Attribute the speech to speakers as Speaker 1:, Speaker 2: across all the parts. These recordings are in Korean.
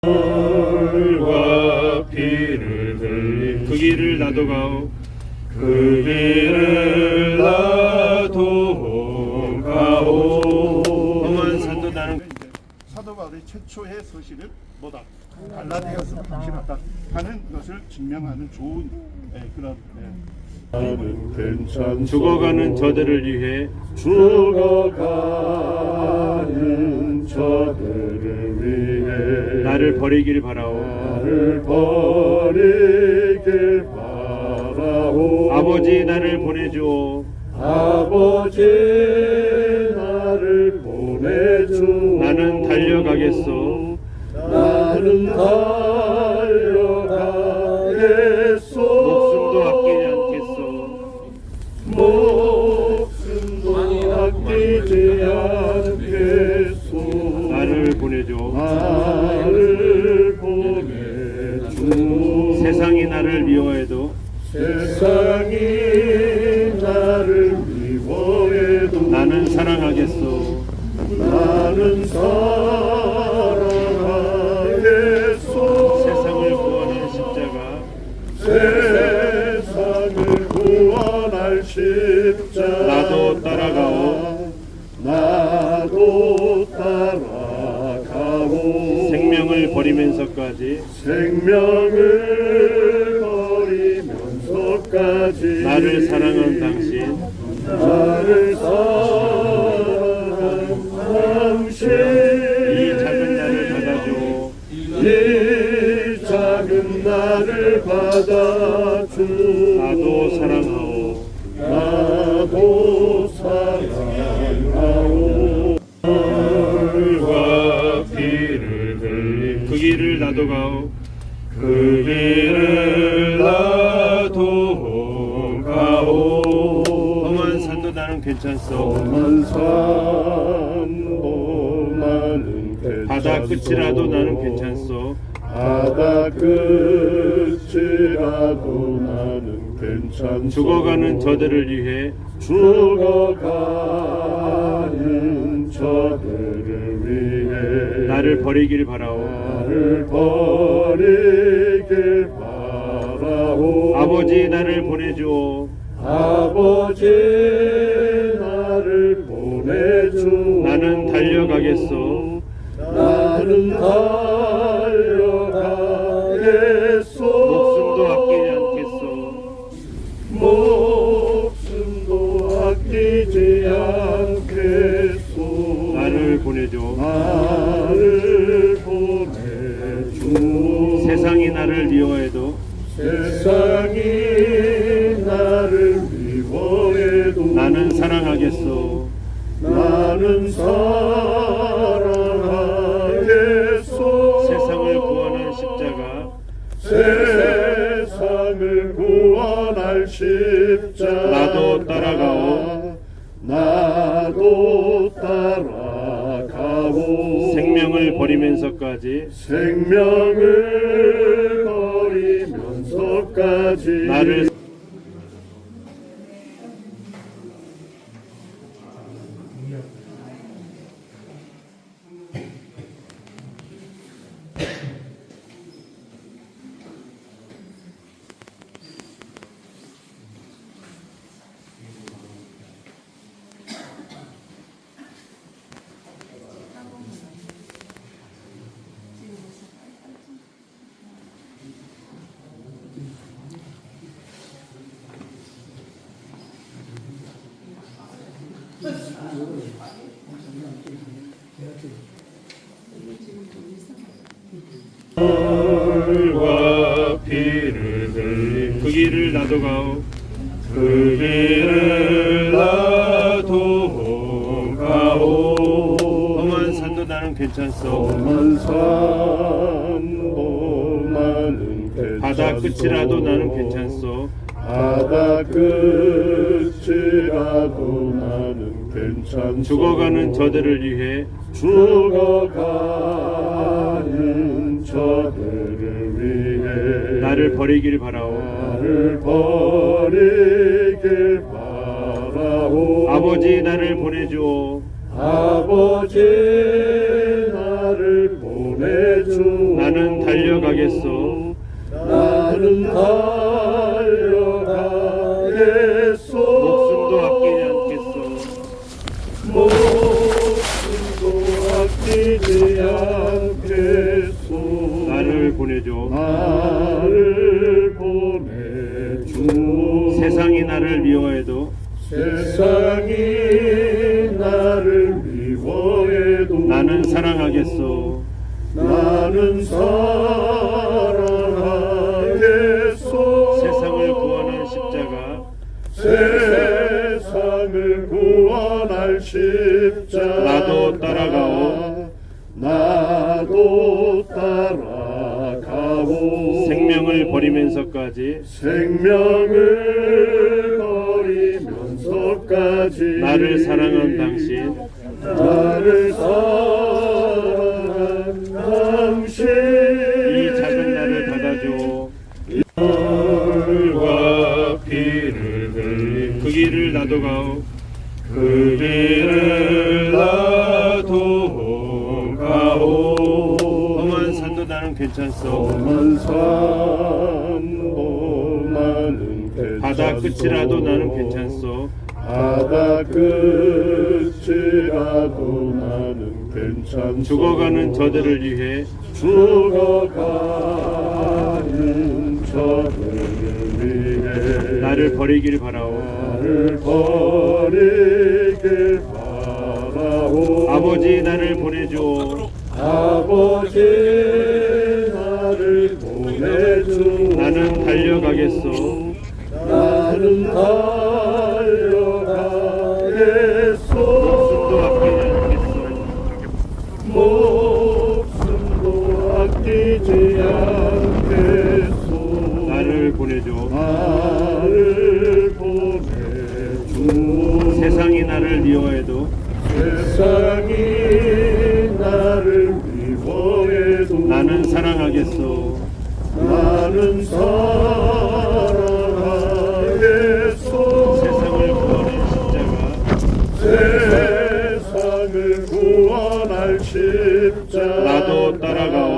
Speaker 1: 물과 피를 흘린 그 길을 나도 가오. 그 길을 나도 가오. 험한 산도 나는
Speaker 2: 사도 바울의 최초의 서신을 뭐다 갈라디아서 확실하다 하는 것을 증명하는 좋은 그런
Speaker 3: 나는 괜찮소.
Speaker 1: 죽어가는 저들을 위해
Speaker 3: 죽어가는 저들을 위해
Speaker 1: 나를 버리길 바라오.
Speaker 3: 나를 버리길 바라오.
Speaker 1: 아버지 나를 보내주오.
Speaker 3: 아버지 나를 보내주.
Speaker 1: 나는 달려가겠소.
Speaker 3: 나는 달려가겠소.
Speaker 1: 목숨도 아끼지 않겠소.
Speaker 3: 목숨도 아끼지 않겠소.
Speaker 1: 나를 보내줘.
Speaker 3: 나를 보내주.
Speaker 1: 세상이 나를 미워해도
Speaker 3: 세상이 나를 미워해도
Speaker 1: 나는 사랑하겠소.
Speaker 3: 나는 사랑하겠소.
Speaker 1: 세상을 구원할 십자가
Speaker 3: 세상을 구원할 십자가
Speaker 1: 나도 따라가오.
Speaker 3: 나도 따라가오.
Speaker 1: 생명을 버리면서까지
Speaker 3: 생명을 버리면서까지
Speaker 1: 나를 사랑한 당신
Speaker 3: 나를 사랑한 당신
Speaker 1: 이 작은 나를 받아줘.
Speaker 3: 이 작은 나를 받아주.
Speaker 1: 나도 사랑하오.
Speaker 3: 나도 사랑하오.
Speaker 1: 물과 피를 흘린 그 길을 나도 가오. 그 길을 나도 가오. 험한 산도 나는 괜찮소.
Speaker 3: 험한 산도 나는 괜찮소.
Speaker 1: 바다 끝이라도 나는 괜찮소.
Speaker 3: 바다 끝이라도 나는 괜찮소.
Speaker 1: 죽어가는 저들을 위해
Speaker 3: 죽어가는 저들을 위해
Speaker 1: 나를 버리길 바라오.
Speaker 3: 나를 버리길 바라오.
Speaker 1: 아버지 나를 보내주오.
Speaker 3: 아버지 나를 보내주.
Speaker 1: 나는 달려가겠소.
Speaker 3: 나는 달려가겠소.
Speaker 1: 목숨도 아끼지 않겠소.
Speaker 3: 목숨도 아끼지 않겠소.
Speaker 1: 나를 보내줘.
Speaker 3: 나를 보내주.
Speaker 1: 세상이 나를 미워해도
Speaker 3: 세상이 나를 미워해도
Speaker 1: 나는 사랑하겠소.
Speaker 3: 나는 사랑하겠소.
Speaker 1: 세상을 구원할 십자가
Speaker 3: 세상을 구원할 십자가
Speaker 1: 나도 따라가오.
Speaker 3: 나도 따라가오.
Speaker 1: 생명을 버리면서까지
Speaker 3: 생명을 버리면서까지
Speaker 1: 나를 물과 피를 흘린 그 길을 나도 가오. 그 길을 나도 가오. 험한 산도 나는 괜찮소.
Speaker 3: 험한 산도 나는 괜찮소.
Speaker 1: 바다 끝이라도 나는 괜찮소.
Speaker 3: 바다 끝이라도 나는 괜찮소.
Speaker 1: 죽어가는 저들을 위해
Speaker 3: 죽어가는 저들을 위해
Speaker 1: 나를 버리길 바라오.
Speaker 3: 나를 버리길 바라오.
Speaker 1: 아버지 나를 보내주오.
Speaker 3: 아버지 나를 보내 보내주
Speaker 1: 나는 달려가겠소.
Speaker 3: 나는 달려가겠소
Speaker 1: 목숨도 아끼지 않겠소.
Speaker 3: 목숨도 아끼지 않겠소
Speaker 1: 나를 보내줘.
Speaker 3: 나를 보내주
Speaker 1: 세상이 나를 미워해도
Speaker 3: 세상이 나를 미워해도
Speaker 1: 나는 사랑하겠소.
Speaker 3: 나는 사랑하겠소
Speaker 1: 세상을 구원할 십자가
Speaker 3: 세상을 구원할 십자가
Speaker 1: 나도 따라가오.
Speaker 3: 나도 따라가오
Speaker 1: 생명을 버리면서까지
Speaker 3: 생명을 버리면서까지
Speaker 1: 나를 사랑한 당신
Speaker 3: 나를 사랑한 당신
Speaker 1: 이 작은 나를 받아줘.
Speaker 3: 혈과 피를 흘린
Speaker 1: 그 길을 나도 가오.
Speaker 3: 그 길을 나도 가오
Speaker 1: 험한 산도 나는 괜찮소.
Speaker 3: 험한 산도 나는 괜찮소
Speaker 1: 바다 끝이라도 나는 괜찮소.
Speaker 3: 바다 끝이라도 나는 괜찮소
Speaker 1: 죽어가는 저들을 위해
Speaker 3: 죽어가는 저들을 위해
Speaker 1: 나를 버리길 바라오.
Speaker 3: 나를 버리길 바라오
Speaker 1: 아버지 나를 보내줘.
Speaker 3: 아버지 나를 보내주
Speaker 1: 나는 달려가겠소.
Speaker 3: 나는 달려가겠소
Speaker 1: 목숨도 아끼지 않겠소.
Speaker 3: 목숨도 아끼지 않겠소
Speaker 1: 나를 보내줘.
Speaker 3: 나를 보내주
Speaker 1: 세상이 나를 미워해도
Speaker 3: 세상이 나를 미워해도
Speaker 1: 나는 사랑하겠소.
Speaker 3: 나는 사랑하겠소
Speaker 1: 세상을 구원할 십자가
Speaker 3: 세상을 구원할 십자가
Speaker 1: 나도 따라가오.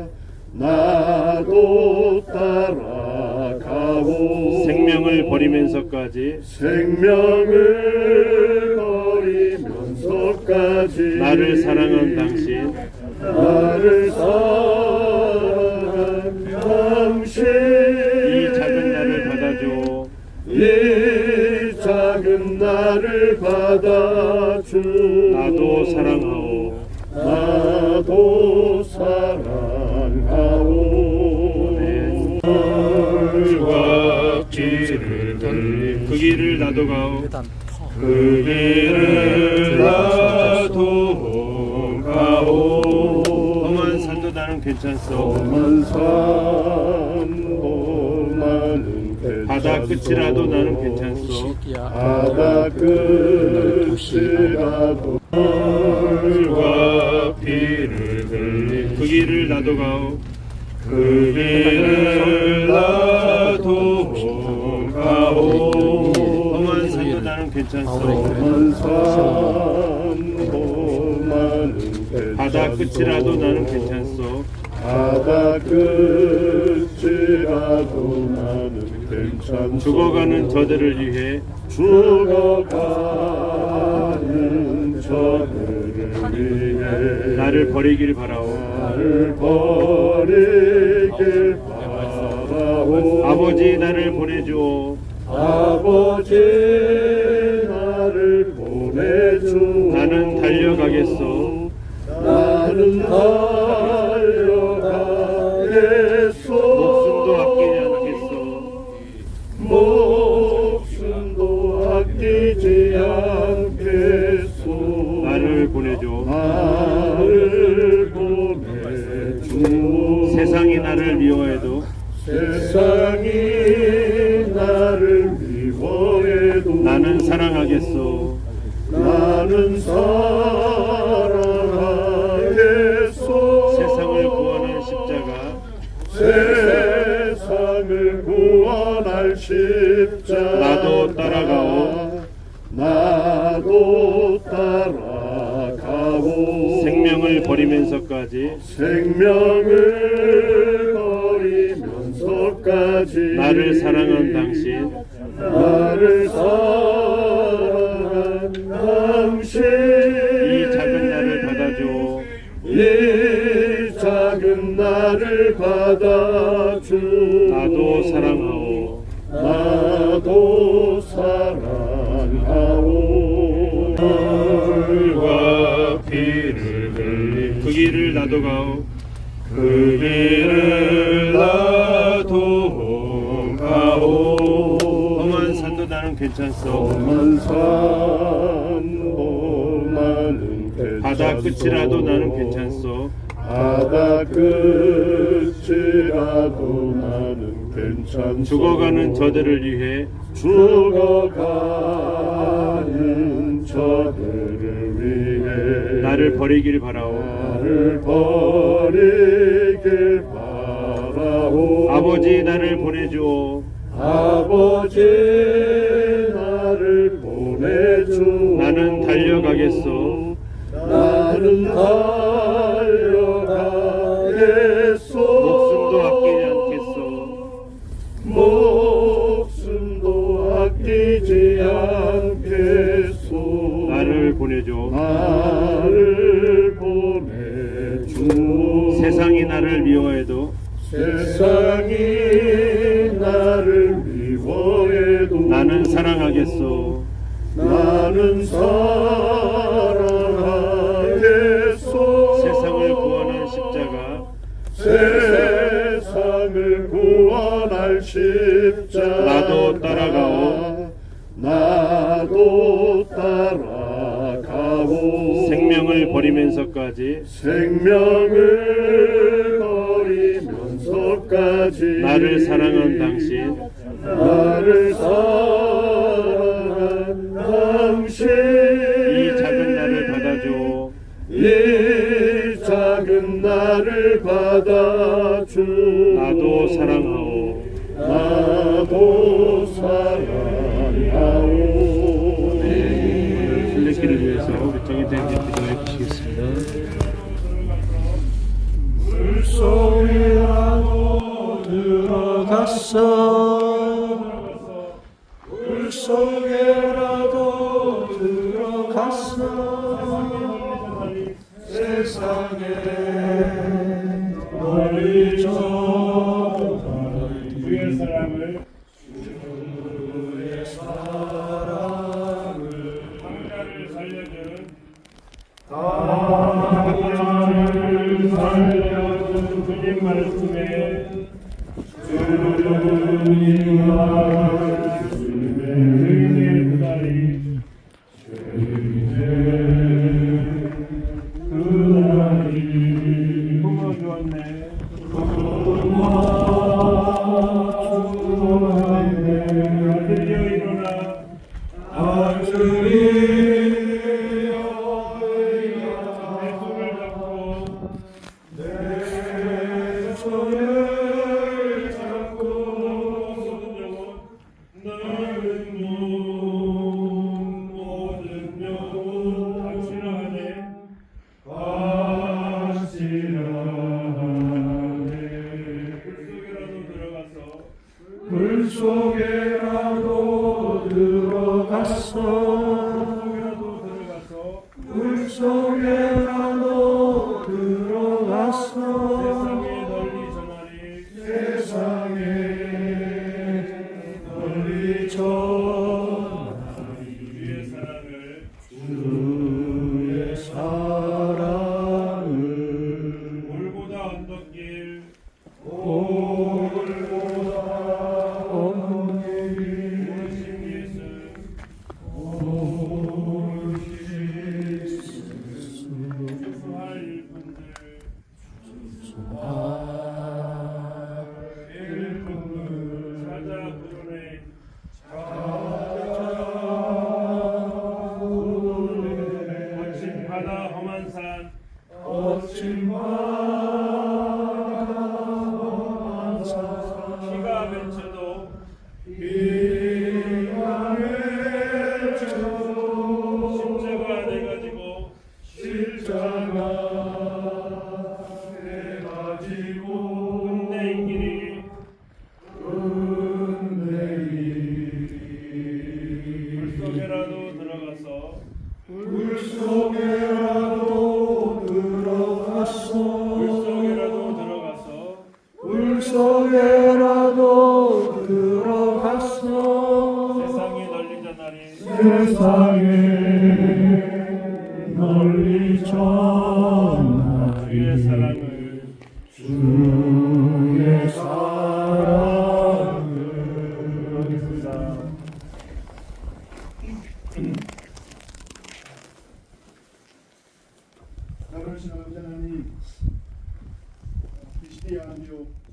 Speaker 3: 나도 따라가오
Speaker 1: 생명을 버리면서까지
Speaker 3: 생명을 버리면서까지
Speaker 1: 나를 사랑한 당신
Speaker 3: 나를 사랑한 당신
Speaker 1: 이 작은 나를 받아줘.
Speaker 3: 이 작은 나를 받아주
Speaker 1: 나도 사랑하오.
Speaker 3: 나도 사랑하오 혈과 피를 흘린
Speaker 1: 그 길을 나도 가오.
Speaker 3: 그 길을 나도 가오
Speaker 1: 험한 산도 나는 괜찮소.
Speaker 3: 험한 산도 나는 괜찮소
Speaker 1: 바다 끝이라도 나는 괜찮소.
Speaker 3: 바다 끝이라도 혈과 피를 흘린
Speaker 1: 그 길을 나도 가오.
Speaker 3: 그 길을 나도 가오
Speaker 1: 험한 산도 나는 괜찮소.
Speaker 3: 험한 산도 나는 괜찮소
Speaker 1: 바다 끝이라도 나는 괜찮소.
Speaker 3: 바다 끝이라도 나는 괜찮소
Speaker 1: 죽어가는 저들을 위해
Speaker 3: 죽어가는 저들을 위해
Speaker 1: 나를 버리길 바라오.
Speaker 3: 나를 버리길 바라오
Speaker 1: 아버지 나를 보내줘.
Speaker 3: 아버지 나를 보내주
Speaker 1: 나는 달려가겠소.
Speaker 3: 나는 달려가겠소
Speaker 1: 목숨도 아끼지 않겠소.
Speaker 3: 목숨도 아끼지 않겠소
Speaker 1: 나를 보내줘.
Speaker 3: 나를 보내주
Speaker 1: 세상이 나를 미워해도
Speaker 3: 세상이 나를 미워해도
Speaker 1: 나는 사랑하겠소.
Speaker 3: 나는 사랑하겠소
Speaker 1: 세상을 구원할 십자가
Speaker 3: 세상을 구원할 십자가
Speaker 1: 나도 따라가오.
Speaker 3: 나도 따라가오
Speaker 1: 생명을 버리면서까지
Speaker 3: 생명을 버리면서까지
Speaker 1: 나를 사랑한 당신
Speaker 3: 나를 사랑한 당신
Speaker 1: 이 작은 나를 받아줘.
Speaker 3: 이 작은 나를 받아주
Speaker 1: 나도 사랑하오.
Speaker 3: 나도 사랑하오
Speaker 1: 물과 피를 흘린 그 길을 나도 가오. 그 길을 나도 가오. 험한 산도 나는 괜찮소.
Speaker 3: 험한 산도 나는 괜찮소
Speaker 1: 바다 끝이라도 나는 괜찮소.
Speaker 3: 바다 끝이라도 나는 괜찮소
Speaker 1: 죽어가는 저들을 위해
Speaker 3: 죽어가는 저들을 위해
Speaker 1: 나를 버리길 바라오.
Speaker 3: 나를 버리길 바라오
Speaker 1: 아버지 나를 보내주오.
Speaker 3: 아버지 나를 보내주
Speaker 1: 나는 달려가겠소.
Speaker 3: 나는 달려가겠소
Speaker 1: 목숨도 아끼지 않겠소.
Speaker 3: 목숨도 아끼지 않겠소
Speaker 1: 나를 보내줘.
Speaker 3: 나를 보내주
Speaker 1: 세상이 나를 미워해도
Speaker 3: 세상이 나를 미워해도
Speaker 1: 나는 사랑하겠소.
Speaker 3: 나는 사랑하겠소
Speaker 1: 세상을 구원한 십자가
Speaker 3: 세상을 구원할 십자가
Speaker 1: 나도 따라가오.
Speaker 3: 나도 따라가오
Speaker 1: 생명을 버리면서까지
Speaker 3: 생명을 버리면서까지
Speaker 1: 나를 사랑한 당신
Speaker 3: 나를 사랑한 당신
Speaker 1: 이 작은 나를 받아줘.
Speaker 3: 이 작은 나를 받아주
Speaker 1: 나도 사랑하오.
Speaker 3: 나도 사랑하오
Speaker 1: 오늘 순례길을 위해서 정이 된 기도해 주시겠습니다.
Speaker 3: 물속이라도 들어갔어 물속에라도 들어갔어 세상에 멀리 저
Speaker 1: 주의 사랑을 강자를 살려준 주님 말씀에 주님 말씀에 그다리 품어주었네. 아들이여 일어나. 내 손을 잡고 너는 모든 영혼 확실하네. 물속에라도 들어가서
Speaker 3: 물속에라도 들어갔어
Speaker 1: 세상에 널리 전하리 주의 사랑을 물보다 언덕길 오신 예수 주수할 일꾼들 찾아 부르네. 거친 바다 험한 산
Speaker 3: 거친 바다 속에라도 들어갔어.
Speaker 1: 세상에 널리 전하리
Speaker 3: 세상에 널리
Speaker 1: 주의
Speaker 3: 전하리
Speaker 1: 사랑을
Speaker 3: 주의 사랑을.
Speaker 1: 그러겠습니다.
Speaker 2: 나를 신하는 하나님, 이 시대의 하나님이요